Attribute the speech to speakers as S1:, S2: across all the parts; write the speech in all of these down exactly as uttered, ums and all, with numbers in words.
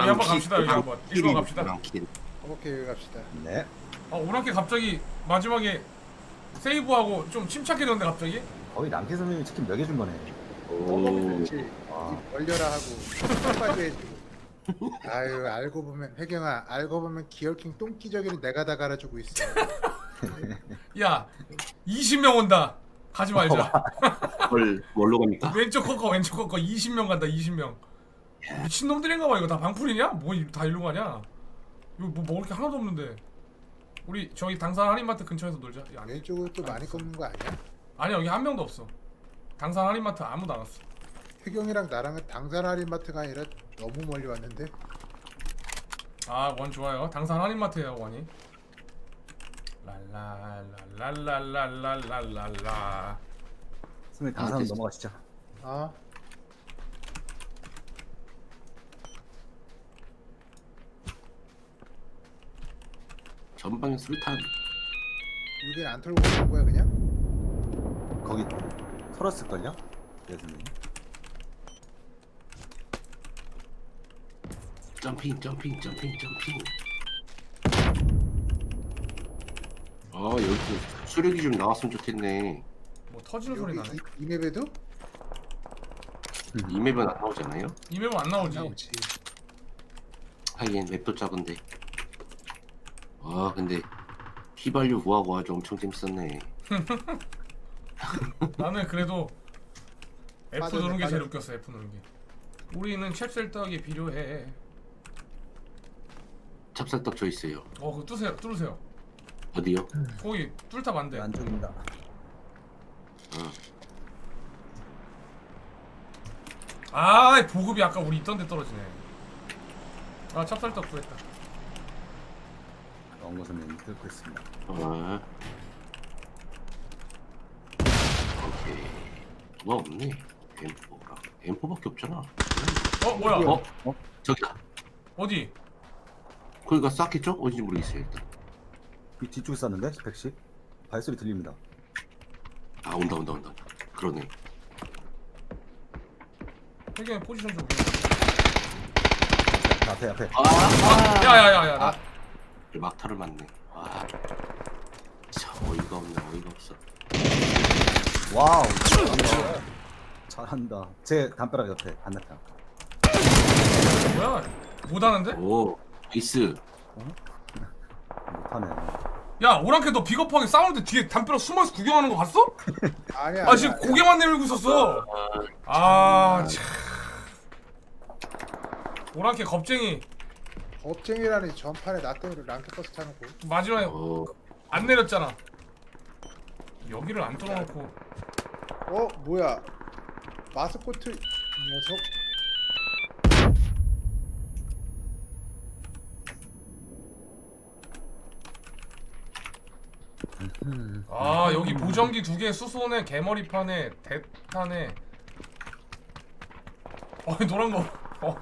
S1: 여기 한번 갑시다. 여기 한번 일로 갑시다.
S2: 오랑킬.
S3: 오케이 여기 갑시다.
S4: 네.
S1: 아 오랑캐 갑자기 마지막에 세이브하고 좀 침착해졌는데 갑자기?
S4: 거의 랑키 선생님이 치킨 몇 개 준 거네.
S3: 먹으면 좋지.
S4: 와.
S3: 입 벌려라 하고 빨리 해주고. 아유 알고 보면 혜경아 알고 보면 기어킹 똥기저귀는 내가 다 갈아주고 있어.
S1: 야 이십 명 온다. 가지 말자.
S2: 헐, 뭘로 갑니까?
S1: 왼쪽 커커 왼쪽 커커 이십 명 간다. 이십 명. 미친놈들인가 봐. 이거 다 방풀이냐? 뭐 다 일로 가냐? 이거 뭐 먹을 게 하나도 없는데. 우리 저기 당산 할인마트 근처에서 놀자. 야, 아니,
S3: 왼쪽으로 또 많이 꺾는 거 아니야?
S1: 아니 여기 한 명도 없어. 당산 할인마트 아무도 안 왔어.
S3: 혜경이랑 나랑은 당산 할인마트가 아니라 너무 멀리 왔는데.
S1: 아 원 좋아요. 당산 할인마트에요 원이. 랄랄랄랄랄랄랄랄랄라.
S4: 선생님
S2: 아,
S4: 당사는
S2: 됐어.
S4: 넘어가시죠.
S3: 아
S2: 전방에 수류탄.
S3: 여기는 안 털고 가는 거야 그냥?
S4: 거기 털었을걸요? 네 선생님.
S2: 점핑, 점핑, 점핑, 점핑. 아, 여기 수력이 좀 나왔으면 좋겠네.
S1: 뭐 터지는 소리
S3: 여기
S1: 나네.
S3: 이, 이 맵에도?
S2: 이 맵은 안 나오잖아요?
S1: 이 맵은 안 나오지.
S3: 나오지.
S2: 하긴 맵도 작은데. 아, 근데 휘발유 구하고 아주 엄청 재밌었네.
S1: 나는 그래도 F
S3: 빠졌네,
S1: 누르는 게 제일
S3: 빠졌네.
S1: 웃겼어. F 누르는 게. 우리는 찹쌀떡이 필요해.
S2: 찹쌀떡 저 있어요.
S1: 어 그거 뚫으세요. 뚫으세요.
S2: 어디요?
S1: 거기 뚫다 안 돼.
S4: 네, 안쪽입니다.
S1: 아 보급이 아까 우리 있던 데 떨어지네. 아 찹쌀떡 구했다.
S4: 원고 선생님 뚫고 있습니다.
S2: 아. 오케이. 뭐가 없네. 엠포가. 엠포밖에 없잖아.
S1: 어 뭐야?
S2: 어? 어? 저기다.
S1: 어디?
S2: 거기가 쌌겠죠? 어딘지 모르겠어요 일단.
S4: 이 뒤쪽에 쌌는데 백십. 발소리 들립니다.
S2: 아 온다 온다 온다. 그러네.
S1: 해경의 포지션 좀.
S4: 앞에 앞에.
S2: 아!
S1: 야야야야. 나.
S2: 아. 막타를 맞네. 아. 참 어이가 없네. 어이가 없어.
S4: 와우. 잘한다. 잘한다. 제 담벼락 옆에 반대편.
S1: 뭐야? 못하는데?
S2: 오. 나이스.
S4: 못하네.
S1: 야 오랑캐 너 비겁하게 싸우는데 뒤에 담벼락 숨어서 구경하는 거 봤어?
S3: 아니야.
S1: 아 지금 고개만 내밀고 있었어. 아 참. 오랑캐 겁쟁이.
S3: 겁쟁이라니 전판에 나 때문에 랑켓버스 타놓고.
S1: 마지막에
S2: 어.
S1: 안 내렸잖아. 여기를 안 뚫어놓고.
S3: 어 뭐야? 마스코트 녀석.
S1: 아 여기 보정기 두 개, 수소네, 개머리판에, 대탄에. 어 노란 거. 어.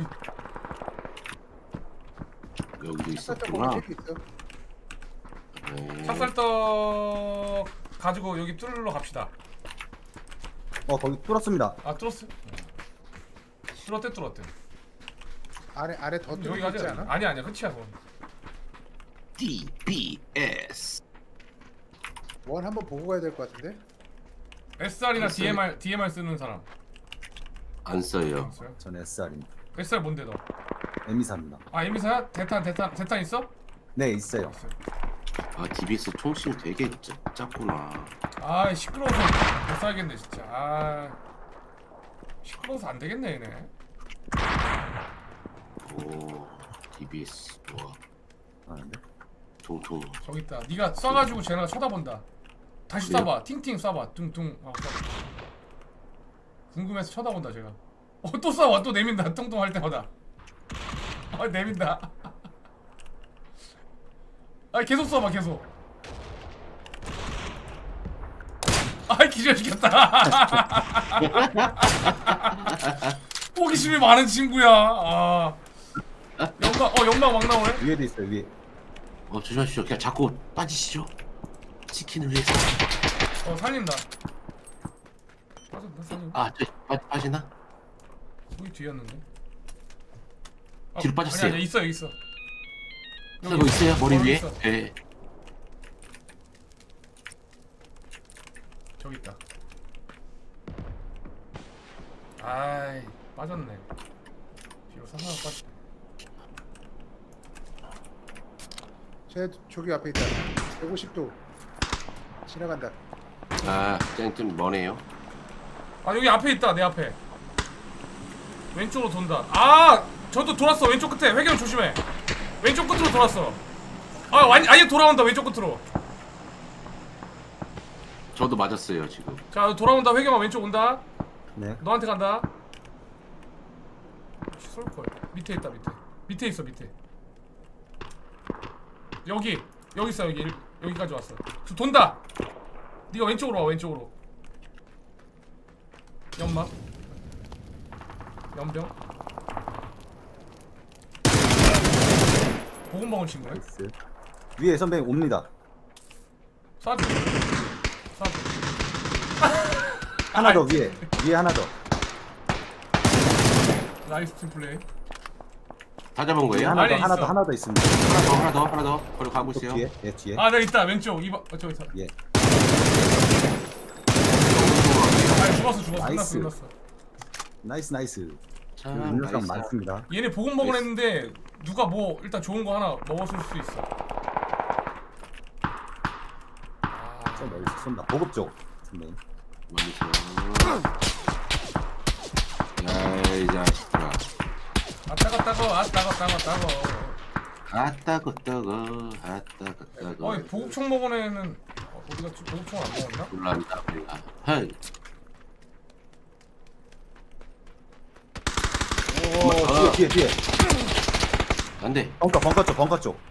S2: 여기도
S3: 살짝
S2: 있었구나.
S3: 먹을 수 있어.
S2: 네.
S1: 찹쌀떡 가지고 여기 뚫으러 갑시다.
S4: 어 거기 뚫었습니다.
S1: 아 뚫었어? 뚫었대 뚫었대.
S3: 안에 안에 더
S1: 여기
S3: 뚫려 있지
S1: 가자.
S3: 않아?
S1: 아니 아니야 끝이야 그건.
S2: 디 비 에스.
S3: 원 한번 보고 가야 될 것 같은데.
S1: 에스알이나
S2: 글쎄.
S1: 디엠알 디엠알 쓰는 사람.
S2: 안 써요.
S1: 있어요?
S4: 전 에스알입니다.
S1: 에스알 뭔데 너?
S4: 에미사입니다.
S1: 아 에미사야? 대탄 대탄 대탄 있어?
S4: 네 있어요.
S1: 있어요.
S2: 아 디비에스 총심 되게 짜, 작구나.
S1: 아 시끄러워서 못 살겠네 진짜. 아 시끄러워서 안 되겠네 얘네.
S2: 오 디비에스 좋아.
S4: 아는데.
S2: 총총.
S1: 저기 있다. 네가 쏴가지고 쟤네가 쳐다본다. 다시
S2: 그래요?
S1: 쏴봐. 팅팅 쏴봐. 둥둥 하고 쏴봐. 궁금해서 쳐다본다 제가. 어 또 쏴봐. 또 내민다. 뚱뚱 할 때마다. 아 내민다. 아 계속 쏴봐 계속. 아 기절시켰다. 호기심이 많은 친구야. 아 연막 어 연막 막 나오네.
S4: 위에도 있어요 위에.
S2: 어 조심하십시오. 그냥 자꾸 빠지시죠. 치킨을 위해서.
S1: 어 살린다. 빠졌나 살린?
S2: 아저 빠지나?
S1: 거기 뒤였는데. 아,
S2: 뒤로 빠졌어요.
S1: 아니 아니 있어 여기 있어.
S2: 이거 있어요 머리
S1: 어,
S2: 위에?
S1: 있어.
S2: 예.
S1: 저기 있다. 아이 빠졌네. 뒤로 사사가 빠졌.
S3: 쟤 저기 앞에 있다. 백오십 도 지나간다.
S2: 아, 좀, 좀 머네요.
S1: 아 여기 앞에 있다 내 앞에. 왼쪽으로 돈다. 아 저도 돌았어 왼쪽 끝에. 회경 조심해. 왼쪽 끝으로 돌았어. 아 완 아예 돌아온다 왼쪽 끝으로.
S2: 저도 맞았어요 지금.
S1: 자 돌아온다 회경아 왼쪽 온다.
S4: 네.
S1: 너한테 간다. 쏠걸. 밑에 있다 밑에. 밑에 있어 밑에. 여기 여기 있어 여기 일- 여기까지 왔어. 저 돈다. 네가 왼쪽으로 와 왼쪽으로. 연막. 연병. 보금 먹은 친구네.
S4: 나이스. 위에 선배님 옵니다.
S1: 쏴줘. 쏴줘.
S4: 하나 더 위에. 위에 하나 더.
S1: 나이스 팀 플레이.
S2: 다 잡은
S4: 위에
S2: 거예요?
S4: 하나
S1: 아래
S4: 더 하나
S1: 있어.
S4: 더 하나 더 있습니다.
S2: 하나 더 하나 더 하나 더. 그리고 가고
S4: 또
S2: 있어요.
S4: 뒤에. 예 뒤에.
S1: 아, 나 있다. 왼쪽. 이번 어, 저기 있다.
S4: 예.
S1: 아, 죽었어, 죽었어.
S4: 나이스.
S1: 끝났어, 끝났어.
S4: 나이스 나이스.
S2: 자,
S4: 여기 음료수
S2: 나이스.
S4: 많습니다.
S1: 얘네 보금 먹으려
S2: 나이스.
S1: 했는데 누가 뭐 일단 좋은 거 하나 먹었을 수도 있어.
S4: 저 멀리서 쏜다. 보급 쪽. 선배님.
S2: 멀리서. 야이 자식들아.
S1: 아, 따가 따가. 아, 따가 따가 따가.
S2: 아따 끄떡어 아따 끄떡어.
S1: 어, 보급총 먹은 애는 어, 어디 갔지? 보급총 안 먹었나?
S2: 올라온다 올라. 헤이.
S4: 오 어, 뒤에 뒤에 뒤에.
S2: 안돼.
S4: 벙커 벙커 쪽 벙커 쪽.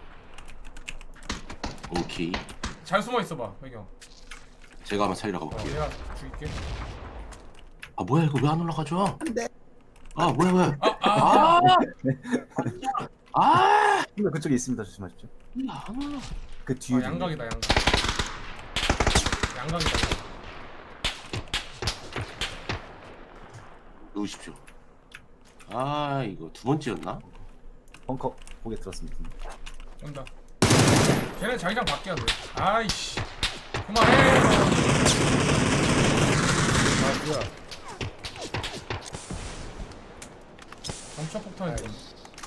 S2: 오케이.
S1: 잘 숨어 있어 봐, 배경.
S2: 제가 한번 살리러
S1: 어,
S2: 가볼게요.
S1: 내가 죽일게.
S2: 아 뭐야 이거 왜 안 올라가죠?
S4: 안돼.
S2: 아 뭐야 뭐야.
S1: 아, 아.
S2: 아. 아.
S4: 선배 그쪽에 있습니다. 조심하십시오.
S2: 안 올라.
S4: 그 뒤에.
S1: 아, 양각이다, 양각. 양각이다.
S2: 누우십시오. 아 이거 두 번째였나?
S4: 벙커 보게 들었습니다.
S1: 온다. 걔네 자기장 바뀌어야 돼. 아이씨. 그만해.
S3: 아 뭐야?
S1: 점차 폭탄이 돼.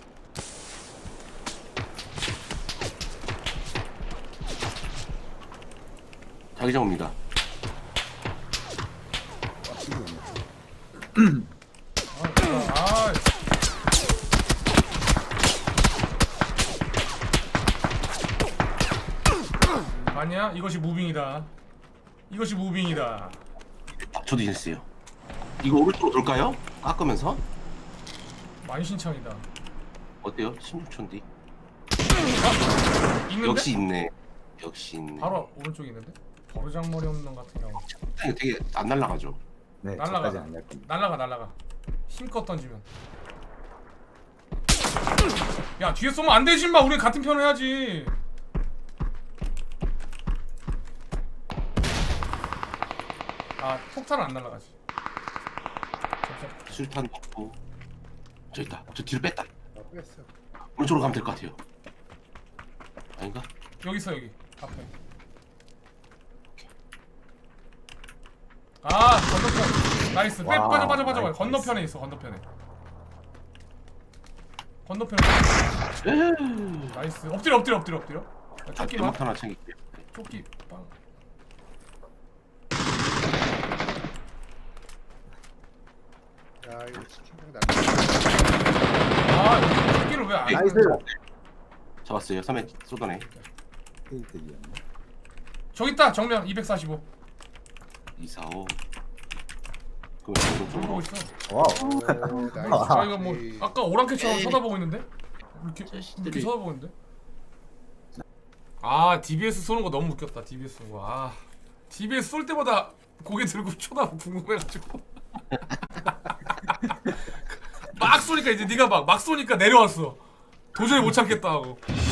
S2: 자기장 옵니다.
S1: 아, 아. 아니야? 이것이 무빙이다. 이것이 무빙이다.
S2: 아, 저도 있어요. 이거 오른쪽으로 돌까요? 깎으면서?
S1: 만신창이다.
S2: 어때요? 십육 초 뒤.
S1: 있는데?
S2: 역시 있네. 역시 있네.
S1: 바로 오른쪽에 있는데? 버르장머리 없는 놈 같은 경우.
S2: 이거 되게 안 날라가죠.
S4: 네.
S1: 날라가.
S4: 저까지 안갈 겁니다.
S1: 날라가 날라가. 힘껏 던지면. 야 뒤에 쏘면 안 되지 마. 우리 같은 편 해야지. 아 폭탄은 안 날라가지. 잠시만.
S2: 술탄 먹고. 저 있다. 저 뒤로 뺐다.
S3: 아 뺐어.
S2: 오른쪽으로 가면 될 것 같아요. 아닌가?
S1: 여기 있어 여기 앞에. 아 건너편. 나이스. 빼
S4: 와,
S1: 빠져 빠져 빠져.
S4: 나이스.
S1: 건너편에 있어 건너편에. 건너편에.
S2: 에이.
S1: 나이스. 엎드려 엎드려 엎드려 엎드려. 야,
S2: 아,
S1: 조끼 봐.
S2: 연막 하나 챙길게요.
S1: 조끼 빵.
S3: 야 이거 치킨병 나.
S1: 아 여기 조끼를 왜안
S4: 나이스.
S2: 잡았어요. 삼 회 쏟아내.
S4: 페이트기였네.
S1: 저기 있다 정면 이백사십오.
S2: 이사오. 그럼
S1: 보고
S2: 오른쪽으로.
S1: 있어.
S4: 와우.
S3: 오, 나이스.
S1: 아 이거 뭐
S3: 에이.
S1: 아까 오랑캐처럼
S2: 에이.
S1: 쳐다보고 있는데? 이렇게
S2: 자식들이.
S1: 이렇게 쳐다보고 있는데? 아 디비에스 쏘는 거 너무 웃겼다. 디비에스 쏘는 거. 아 디비에스 쏠 때마다 고개 들고 쳐다보고 궁금해가지고 막 쏘니까 이제 네가 막 막 쏘니까 내려왔어. 도저히 못 참겠다 하고.